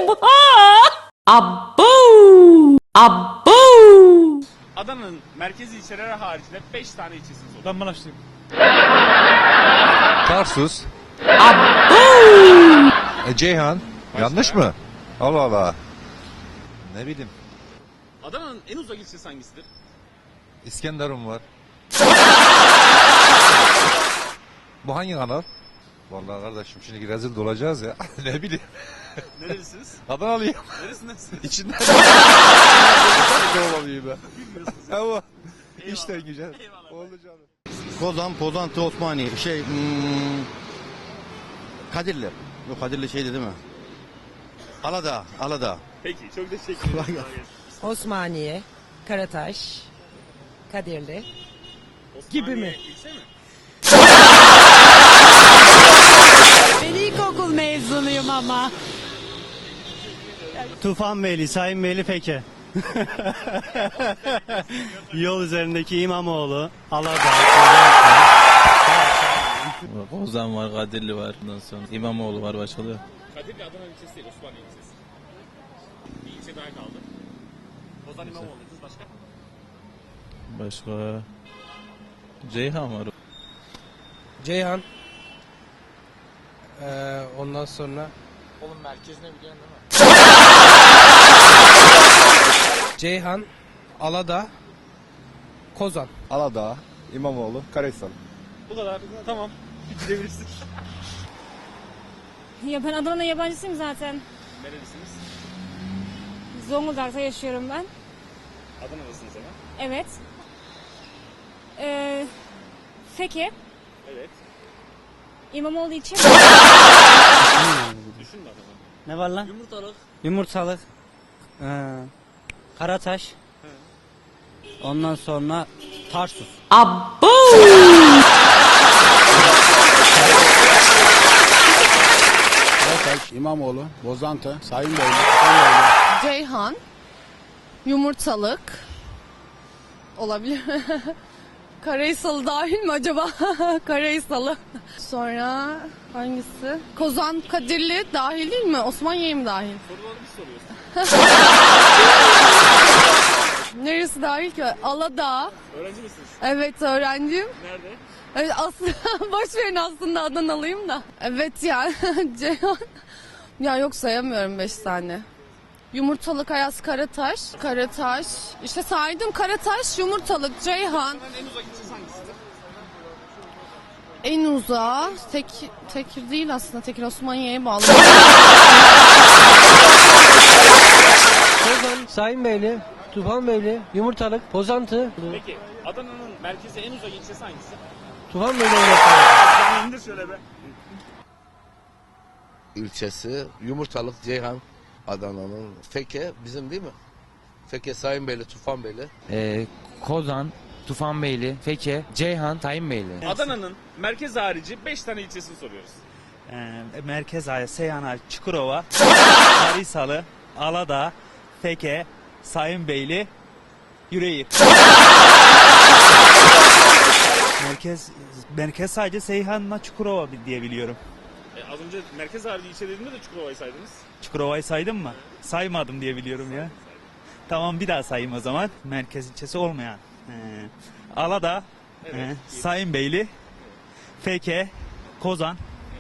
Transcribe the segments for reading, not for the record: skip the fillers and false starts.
Abo! Abo! Adana'nın merkezi ilçeleri haricinde 5 tane ilçesini sor. Ben Maraşlıyım. Tarsus. Abo! Ceyhan. Yanlış mı? Allah Allah. Ne bileyim. Adana'nın en uzak ilçesi hangisidir? İskenderun var. Bu hangi kanal? Vallahi kardeşim şimdi rezil de olacağız ya. Ne bileyim. Nerelisiniz? Adanalıyım. Neresindesiniz? İçinden. Ne olayım ben? Ama işten güzel. Oldu canım. Kozan, Pozantı, Osmaniye, Kadirli. Yok Kadirli şeydi değil mi? Aladağ, Aladağ. Peki çok teşekkür ederim. Osmaniye, Karataş, Kadirli. Gibi mi? İlçe mi? Ben ilkokul mezunuyum ama. Tufanbeyli, Sayınbeyli Feke. Yol üzerindeki İmamoğlu, Aladağ, Ozan var, Kadirli var. Ondan sonra İmamoğlu var, başka da. Kadirli Adana ilçesi değil, Osmaniye ilçesi. Bir ilçe daha kaldı. Ozan İmamoğlu dediniz, başka? Başka Ceyhan var. Ceyhan. Ondan sonra Oğlum merkezine biliyorsun değil mi? Ceyhan, Aladağ, Kozan. Aladağ, İmamoğlu, Karahisar. Bu kadar. Tamam. Gidebilirsin. Ya ben Adana'da yabancısıyım zaten. Nerelisiniz? Zonguldak'ta yaşıyorum ben. Adana'dasınız ama. Evet. Feke. Evet. İmamoğlu için. Düşünme Adana. Ne var lan? Yumurtalık. Yumurtalık. Karataş. Ondan sonra Tarsus. Abo! Karataş, İmamoğlu, Bozantı, Sayınbeyli, Ceyhan, Yumurtalık olabilir. Karahisalı dahil mi acaba? Karahisalı. Sonra hangisi? Kozan, Kadirli dahil değil mi? Osmaniye mi dahil? Soruları bir soruyorsun. Neresi dahil ki? Aladağ. Öğrenci misiniz? Evet öğrenciyim. Nerede? Evet, aslında boş verin aslında Adanalıyım da. Evet yani Ceyhan. Ya yok sayamıyorum 5 tane. Yumurtalık, Ayaz, Karataş. Karataş. İşte saydım Karataş, Yumurtalık, Ceyhan. Adana'nın en uzak ilçesi hangisidir? En uzağı Tekir değil aslında. Tekir Osmaniye'ye bağlı. Kozan, Sayınbeyli, Tufanbeyli, Yumurtalık, Pozantı. Peki Adana'nın merkezi en uzak ilçesi hangisi? Tufanbeyli. Sen indir şöyle be. İlçesi Yumurtalık, Ceyhan, Adana'nın. Feke bizim değil mi? Feke, Sayınbeyli, Tufanbeyli. Kozan, Tufanbeyli, Feke, Ceyhan, Sayınbeyli. Adana'nın merkez harici 5 tane ilçesini soruyoruz. Merkez Aya, Seyhan, Çukurova, Karahisalı, Aladağ, Feke, Sayınbeyli, Yüreğir. Merkez sadece Seyhan'la Çukurova diye biliyorum. Az önce merkez harici ilçe dediğimde de Çukurova'yı saydınız. Çukurova'yı saydım mı? Saymadım diye biliyorum ya. Tamam bir daha sayayım o zaman. Merkez ilçesi olmayan. Aladağ, Evet. Sayınbeyli, Feke, Kozan,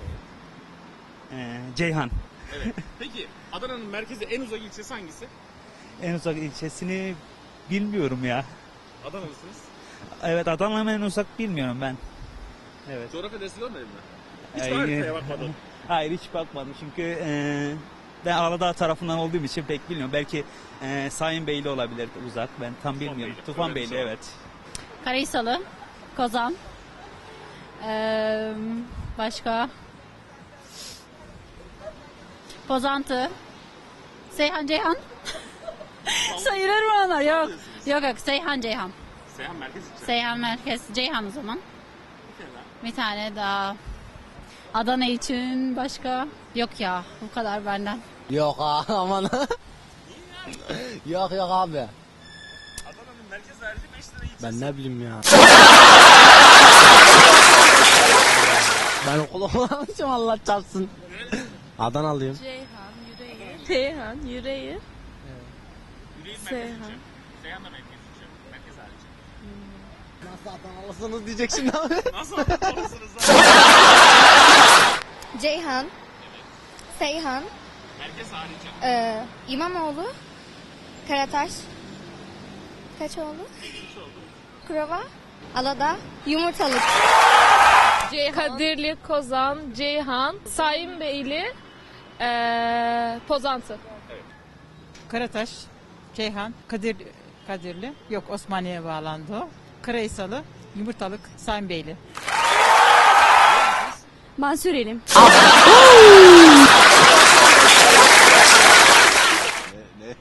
Ceyhan. Evet. Peki Adana'nın merkezi en uzak ilçesi hangisi? En uzak ilçesini bilmiyorum ya. Adana'lısınız. Evet Adana'nın en uzak bilmiyorum ben. Evet. Coğrafya dersi görmedin mi? Hiç Ay, haritaya bakmadın. Hayır hiç bakmadım çünkü ben Aladağ tarafından olduğum için pek bilmiyorum. Belki Sayınbeyli olabilir uzak ben tam bilmiyorum. Tufanbeyli evet. Karahisalı, Kozan. Başka? Pozantı. Seyhan, Ceyhan. Sayılır mı onlar? Yok. Yok Seyhan, Ceyhan. Seyhan merkez ilçe. Seyhan merkez, Ceyhan o zaman. Bir tane daha. Adana için başka? Yok ya bu kadar benden. Yok aman. Yok abi. Adana'nın merkez harici 5 tane ilçesi. Ben ne bileyim ya. Ben okul olmamışım Allah çarpsın. Adanalıyım. Ceyhan, Yüreğir. Seyhan, Yüreğir. Yüreğir merkez Seyhan. ilçe. Seyhan da merkez ilçe. Merkez hariç. Nasıl Adanalısınız diyecek şimdi abi. Nasıl anlatırsınız lan? Ceyhan. Seyhan. Merkez harici. İmamoğlu. Karataş. Kaçoğlu. Kurova. Alada. Yumurtalık. Kadirli, Kozan, Ceyhan, Sayınbeyli, Pozantı. Karataş, Ceyhan, Kadirli. Yok, Osmaniye'ye bağlandı o. Karaysalı, Yumurtalık, Sayınbeyli. Ben Sürelim. Ne?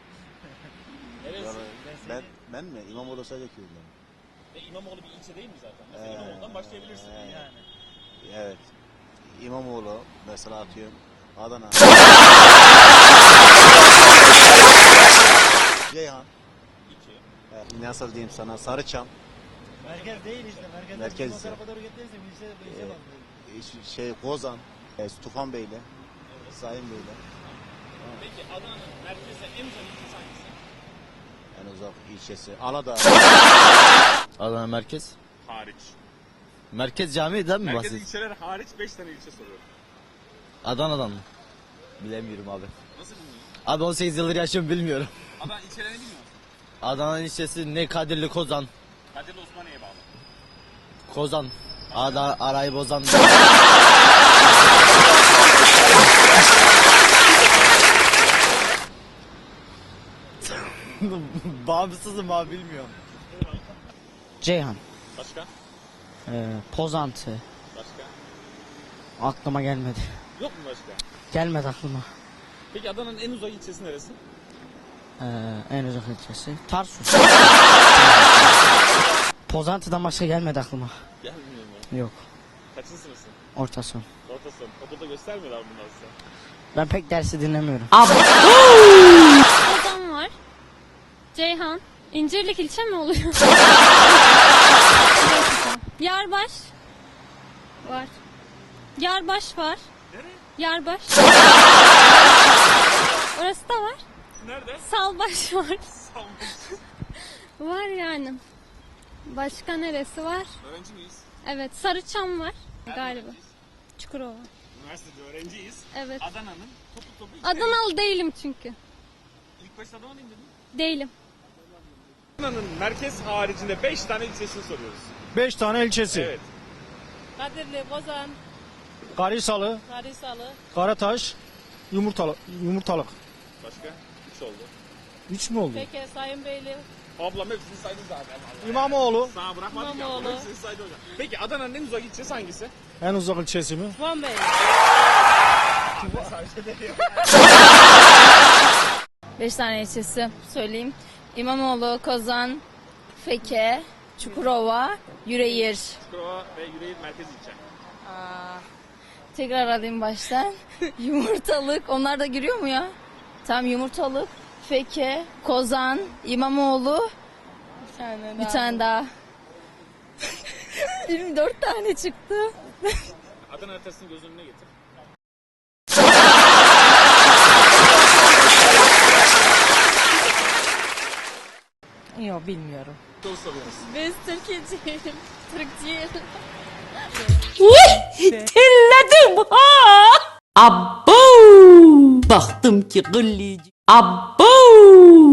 Ben mi? İmamoğlu sadece köyünden. İmamoğlu bir ilçe değil mi zaten? Mesela İmamoğlu'ndan başlayabilirsin. Yani. Evet. İmamoğlu mesela atıyorum. Adana. Ceyhan. İki. Nasıl diyeyim sana? Sarıçam. Merkez değil işte. Merkez ise. Kozan. Tufanbeyli. Sayınbeyli. Peki Adana'nın merkezde en uzak ilçesi hangisi? En uzak ilçesi. Aladağ. Adana merkez. Hariç. Merkez cami değil mi Merkez bahsediyorsun? ilçeler hariç 5 tane ilçe soruyorum. Adana'dan mı? Bilemiyorum abi. Nasıl bilmiyorsun? Abi 18 yıldır yaşıyorum bilmiyorum. Adana ilçelerini bilmiyor musun? Adana ilçesi ne Kadirli Kozan. Kadirli Osmaniye'ye bağlı. Kozan. Arayı bozan. Bağımsızım abi bilmiyorum. Ceyhan, Başka? Pozantı. Başka? Aklıma gelmedi. Yok mu başka? Gelmedi aklıma. Peki Adana'nın en uzak ilçesi neresi? En uzak ilçesi. Tarsus. Pozantı'dan başka gelmedi aklıma. Gelmiyor mu? Yok. Kaçıncı sınıfsın? Orta son. Orta sınıf. Okulda göstermiyorlar bunlar size. Ben pek dersi dinlemiyorum. Kozan var. Ceyhan. İncirlik ilçe mi oluyor? Yarbaş. Var. Yarbaş var. Nereye? Yarbaş. Orası da var. Nerede? Salbaş var. Salmış. Var yani. Başka neresi var? Öğrenci miyiz? Evet, Sarıçam var galiba. Çukurova. Üniversitede öğrenciyiz. Evet. Adana'nın topu Adanalı değilim çünkü. İlk başta Adana'lıyım dedim. Değilim. Adana'nın merkez haricinde 5 tane ilçesini soruyoruz. 5 tane ilçesi. Evet. Kadirli, Kozan, Karisalı, Karisalı, Karataş, Yumurtalık. Başka? 3 oldu. 3 mü oldu? Peki, Sayınbeyli, Ablam hepsini saydı zaten. İmamoğlu. Sana bırakmadık ya. İmamoğlu. Hepsini saydı hocam. Peki Adana'nın en uzak ilçesi hangisi? En uzak ilçesi mi? Vanbeyli. 5 tane ilçesi söyleyeyim. İmamoğlu, Kozan, Feke, Çukurova, Yüreğir. Çukurova ve Yüreğir merkez ilçe. Tekrar alayım baştan. Yumurtalık. Onlar da giriyor mu ya? Tamam, Yumurtalık, Feke, Kozan, İmamoğlu. Bir tane daha. 24 tane çıktı. Adana haritasını göz önüne getir. Yok, bilmiyorum. Soru soruyoruz. Biz Türkiye'ciyim. Türkçeyim. Terledim ha. Abbo. Baktım ki gıllici. Abbo.